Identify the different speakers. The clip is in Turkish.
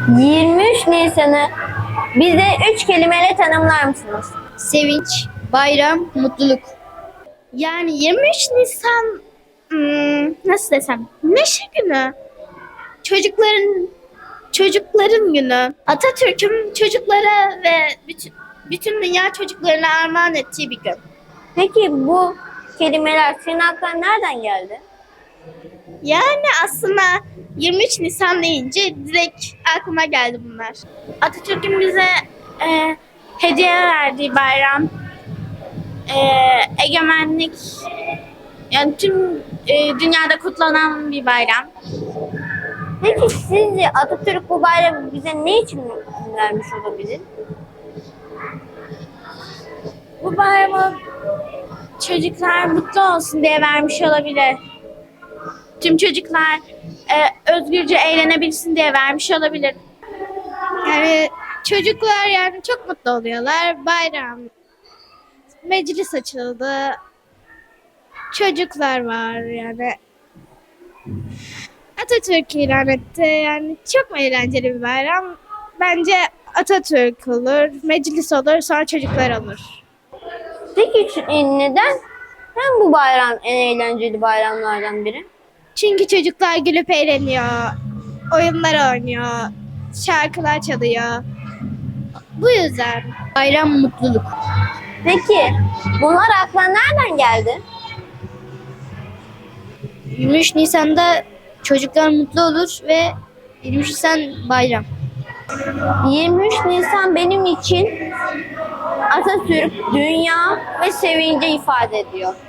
Speaker 1: 23 Nisan'ı bize 3 kelimeyle tanımlar mısınız?
Speaker 2: Sevinç, bayram, mutluluk. Yani 23 Nisan nasıl desem? Neşe günü. Çocukların günü. Atatürk'ün çocuklara ve bütün dünya çocuklarına armağan ettiği bir gün.
Speaker 1: Peki bu kelimeler senin aklına nereden geldi?
Speaker 2: Yani aslında 23 Nisan deyince direkt aklıma geldi bunlar. Atatürk'ün bize hediye verdiği bayram, egemenlik, yani tüm dünyada kutlanan bir bayram.
Speaker 1: Peki sizce Atatürk bu bayramı bize ne için vermiş olabilir?
Speaker 2: Bu bayramı çocuklar mutlu olsun diye vermiş olabilir. Tüm çocuklar özgürce eğlenebilsin diye vermiş olabilir. Yani çocuklar yani çok mutlu oluyorlar. Bayram, meclis açıldı. Çocuklar var yani. Atatürk ilan etti. Yani çok eğlenceli bir bayram. Bence Atatürk olur, meclis olur, sonra çocuklar olur.
Speaker 1: Peki neden? Hem bu bayram en eğlenceli bayramlardan biri.
Speaker 2: Çünkü çocuklar gülüp eğleniyor, oyunlar oynuyor, şarkılar çalıyor. Bu yüzden bayram mutluluk.
Speaker 1: Peki bunlar aklına nereden geldi?
Speaker 2: 23 Nisan'da çocuklar mutlu olur ve 23 Nisan bayram.
Speaker 1: 23 Nisan benim için Atatürk, dünya ve sevinci ifade ediyor.